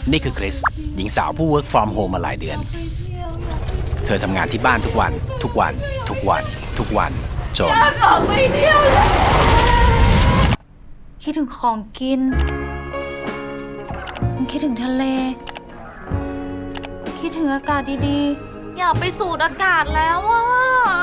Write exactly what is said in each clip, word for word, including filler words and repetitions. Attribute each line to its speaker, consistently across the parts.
Speaker 1: นี่คือคริสหญิงสาวผู้ work from home มาหลายเดือนเธอทำงานที่บ้านทุกวันทุกวันทุกวันทุกวันจน
Speaker 2: อยากออกไปเที่ยวแล้วคิดถึงของกินคิดถึงทะเลคิดถึงอากาศดีๆอยากไปสูดอากาศแล้วอ่ะ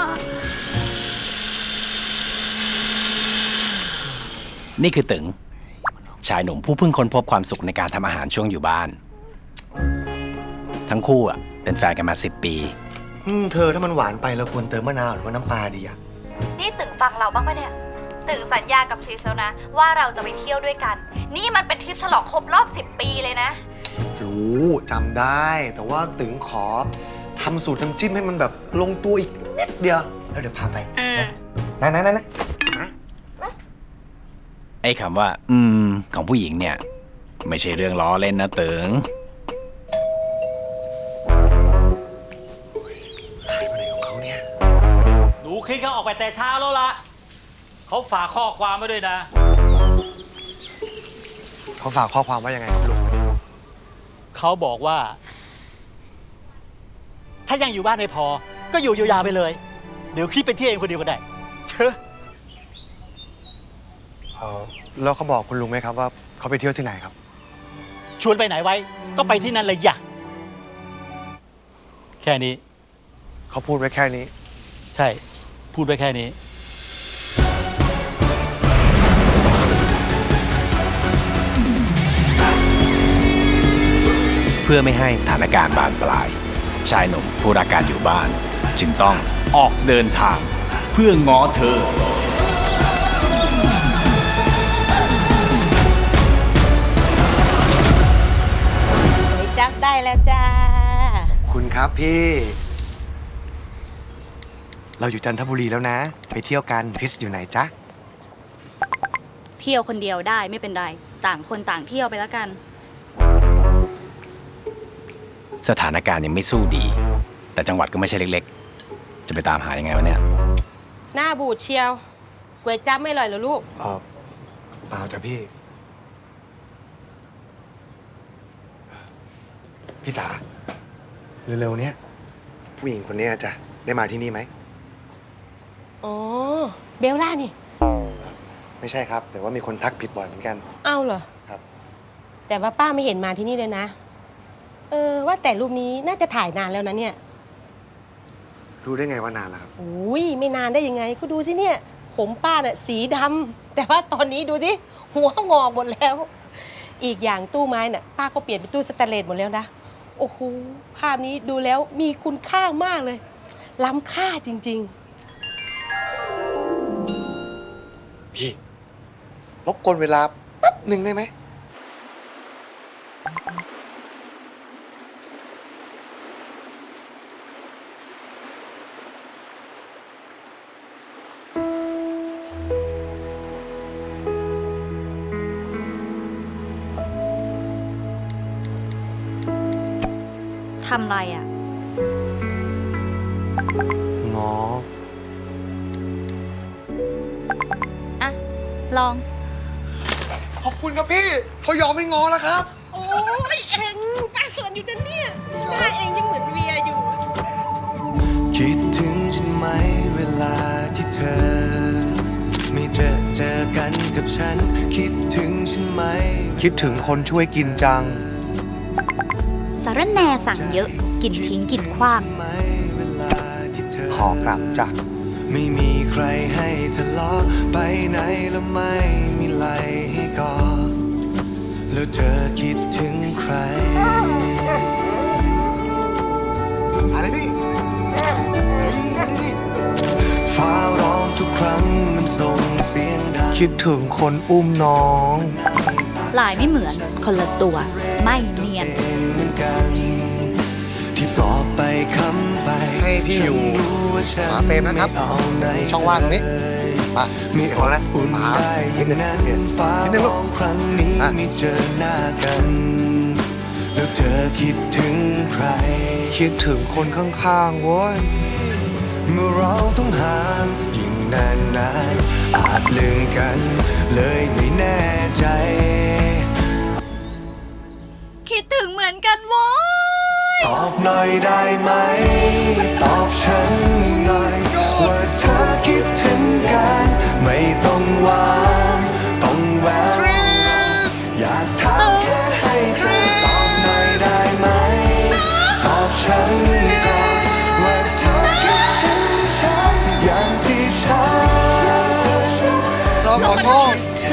Speaker 1: นี่คือตึงชายหนุ่มผู้เพิ่งค้นพบความสุขในการทำอาหารช่วงอยู่บ้านทั้งคู่อ่ะเป็นแฟนกันมาสิบปี
Speaker 3: อืมเธอถ้ามันหวานไปเราควรเติมมะนาวหรือว่าน้ำปลาดีอะ
Speaker 2: นี่ตึงฟังเราบ้างปะเนี่ยตึงสัญญากับคริสแล้วนะว่าเราจะไปเที่ยวด้วยกันนี่มันเป็นทริปฉลองครบรอบสิบปีเลยนะ
Speaker 3: รู้จำได้แต่ว่าตึงขอทำสูตรน้ำจิ้มให้มันแบบลงตัวอีกนิดเดียวแล้วเดี๋ยวพาไปนะนะนะนะ
Speaker 1: ไอ้คำว่าอืมของผู้หญิงเนี่ยไม่ใช่เรื่องล้อเล่นนะตึง
Speaker 3: หายไปไหนของเขาเนี่ย
Speaker 4: หนูคลิกเขาออกไปแต่เช้าแล้วล่ะเขาฝากข้อความไว้ด้วยนะ
Speaker 3: เขาฝากข้อความว่ายังไงครับลุง
Speaker 4: เขาบอกว่าถ้ายังอยู่บ้านไม่พอก็อยู่ยาวๆไปเลยเดี๋ยวคลิปไปเที่ยวเองคนเดียวก็ได้เชอะ
Speaker 3: แล้วเขาบอกคุณลุงไหมครับว่าเขาไปเที่ยวที่ไหนครับ
Speaker 4: ชวนไปไหนไว้ก็ไปที่นั่นเลยอย่าแค่นี้
Speaker 3: เขาพูดไว้แค่นี้
Speaker 4: ใช่พูดไว้แค่นี้
Speaker 1: เพื่อไม่ให้สถานการณ์บานปลายชายหนุ่มผู้รักการอยู่บ้านจึงต้องออกเดินทางเพื่อง้อเธอ
Speaker 5: จับได้แล้วจ้า
Speaker 3: คุณครับพี่เราอยู่จันทบุรีแล้วนะไปเที่ยวกันคริสอยู่ไหนจ๊ะ
Speaker 2: เที่ยวคนเดียวได้ไม่เป็นไรต่างคนต่างเที่ยวไปแล้วกัน
Speaker 1: สถานการณ์ยังไม่สู้ดีแต่จังหวัดก็ไม่ใช่เล็กๆจะไปตามหายังไงวะเนี่ย
Speaker 5: หน้าบูดเชียวก๋วยจั๊บไม่อร่อยเหรอลูก
Speaker 3: อ๋อเปล่าจ้ะพี่พี่จ๋าเร็วๆเนี้ยผู้หญิงคนนี้จะได้มาที่นี่ไหม
Speaker 5: อ๋อเบลล่านี่
Speaker 3: ไม่ใช่ครับแต่ว่ามีคนทักผิดบ่อยเหมือนกัน
Speaker 5: เอ้าเหรอ
Speaker 3: ครับ
Speaker 5: แต่ว่าป้าไม่เห็นมาที่นี่เลยนะเออว่าแต่รูปนี้น่าจะถ่ายนานแล้วนะเนี่ย
Speaker 3: รู้ได้ไงว่านานแล้วครับ
Speaker 5: อุ้ยไม่นานได้ยังไงก็ดูสิเนี่ยผมป้าเนี่ยสีดำแต่ว่าตอนนี้ดูสิหัวงอกหมดแล้วอีกอย่างตู้ไม้น่ะป้าก็เปลี่ยนเป็นตู้สแตนเลสหมดแล้วนะโอ้โหภาพนี้ดูแล้วมีคุณค่ามากเลยล้ำค่าจริง
Speaker 3: ๆพี่รบกวนเวลาแป๊บหนึ่งได้ไหม
Speaker 2: ทำไรอ่ะ
Speaker 3: ง้อ
Speaker 2: อ่ะลอง
Speaker 3: ขอบคุณครับพี่เขายอมไม่ง้อแล้วครับ
Speaker 5: โอ้ยเอ็งป้าเขินอยู่นะเนี่ยหน้าเอ็งยังเหมือนเวียอยู่
Speaker 3: คิดถึงฉันไหมเวลาที่เธอไม่เจอเจอกันกับฉันคิดถึงฉันไหมคิดถึงคนช่วยกินจัง
Speaker 2: สารแหน่สั่งเยอะกินทิ้งกินขว้าง
Speaker 3: ขอกลับจ้ะไม่มีใครให้ทะเลาะไปไหนแล้วไม่มีไหลให้กอดแล้วเธอคิดถึงใครอะไรนี่ฟ้าร้องทุกครั้งมันส่งเสียงดังคิดถึงคนอุ้มน้อง
Speaker 2: ลายไม่เหมือนคนละตัวไม่เนียน
Speaker 3: ที่บอกไปคำไปให้พี่อยู่หมาเฟรมนะครับช่องว่างตรงนี้ป่ะมีขอแล้วหมานิดนึงนิดนึงลูกครั้งนี้ไม่เจอหน้ากันแล้วเธอคิดถึงใครคิดถึงคนข้างๆโว้ยเมื่อเราต้องห่างยิ่งนานๆอาจลืมกันเลยไม่แน่ใจ
Speaker 2: คิดถึงมือนกันโว้ย
Speaker 3: ตอบหน่อยได้ไหมตอบฉันหน่อยว่าเธอคิดถึงกันไม่ต้องหวานต้องแววอยากถามแค่ให้เธอตอบหน่อยได้ไหมตอบฉันก่อนว่าเธอคิดถึงฉันอย่างที่ฉันเราขอโทษ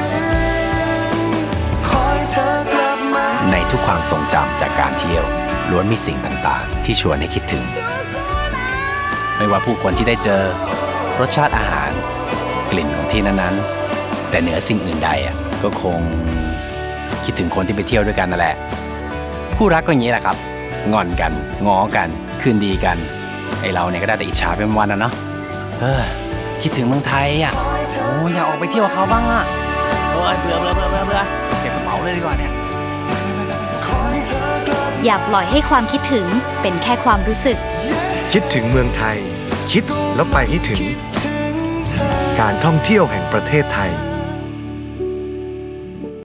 Speaker 3: คอยเธอกลับมา
Speaker 1: ในทุกความทรงจำจากการเที่ยวล้วนมีสิ่งต่างๆที่ชวนให้คิดถึง ไม่ว่าผู้คนที่ได้เจอรสชาติอาหารกลิ่นของที่นั้นๆแต่เหนือสิ่งอื่นใดอ่ะก็คงคิดถึงคนที่ไปเที่ยวด้วยกันนั่นแหละคู่รักก็อย่างนี้แหละครับงอนกันง้อกันคืนดีกันไอเราเนี่ยก็ได้แต่อิจฉาเป็นวันนะเนาะเออคิดถึงเมืองไทยอ่ะโอ้อยากออกไปเที่ยวกับเขาบ้างอ่ะเออเบื่อเบื่อเบื่อเบื่อเบื่อเก็บกระเป๋าเลยดีกว่าเนี่ย
Speaker 2: อย่าปล่อยให้ความคิดถึงเป็นแค่ความรู้สึก
Speaker 3: คิดถึงเมืองไทยคิดแล้วไปให้ถึงการท่องเที่ยวแห่งประเทศไทย